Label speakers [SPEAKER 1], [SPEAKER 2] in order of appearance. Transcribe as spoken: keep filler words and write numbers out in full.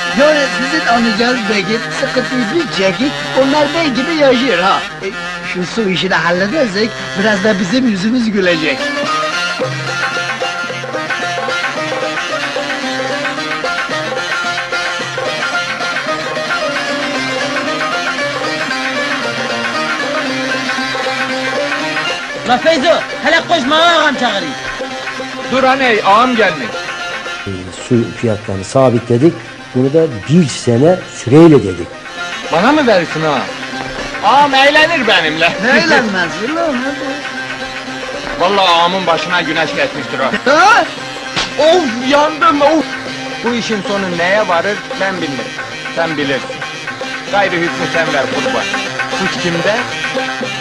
[SPEAKER 1] Yani sizin anlayacağınız belki sıkıntıyı bir çekin, onlar bey gibi yaşıyor ha. E, şu su işini halledersek, biraz da bizim yüzümüz gülecek.
[SPEAKER 2] La Feyzo, hele koşma ağam çağırayım.
[SPEAKER 3] Dur aney, ağam gelmiş.
[SPEAKER 4] Su fiyatlarını sabitledik. Bunu da bir sene süreyle dedik.
[SPEAKER 3] Bana mı verirsin ağam? Ağam eğlenir benimle.
[SPEAKER 1] Ne eğlenmez ulan hadi.
[SPEAKER 3] Vallahi ağamın başına güneş geçmiştir o.
[SPEAKER 1] Ha?
[SPEAKER 3] Of yandım of! Bu işin sonu neye varır ben bilmirim. Sen bilirsin. Gayrı hükmü sen ver kurban. Suç kimde?